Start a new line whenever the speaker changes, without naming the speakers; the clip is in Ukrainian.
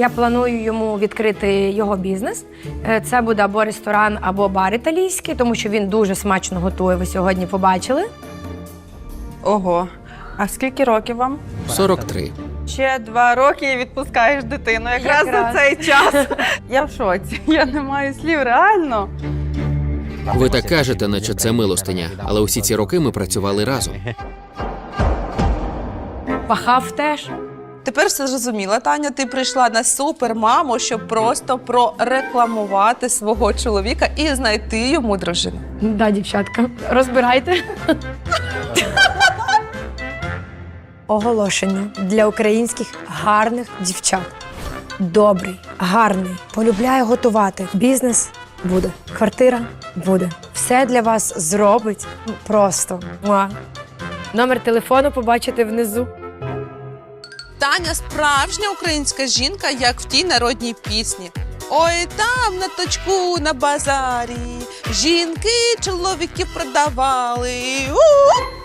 Я планую йому відкрити його бізнес. Це буде або ресторан, або бар італійський, тому що він дуже смачно готує, ви сьогодні побачили.
Ого. А скільки років вам?
43.
Ще 2 роки і відпускаєш дитину. Якраз за цей час. Я в шоці. Я не маю слів, реально.
Ви так кажете, наче це милостиня, але усі ці роки ми працювали разом.
Пахав теж.
Тепер все зрозуміла, Таня, ти прийшла на супермаму, щоб просто прорекламувати свого чоловіка і знайти йому дружину.
Да, дівчатка, розбирайте. Оголошення для українських гарних дівчат. Добрий, гарний, полюбляє готувати. Бізнес буде, квартира буде. Все для вас зробить просто. Муа. Номер телефону побачите внизу.
Таня справжня українська жінка, як в тій народній пісні. Ой, там на точку на базарі жінки чоловіків продавали. У-у-у!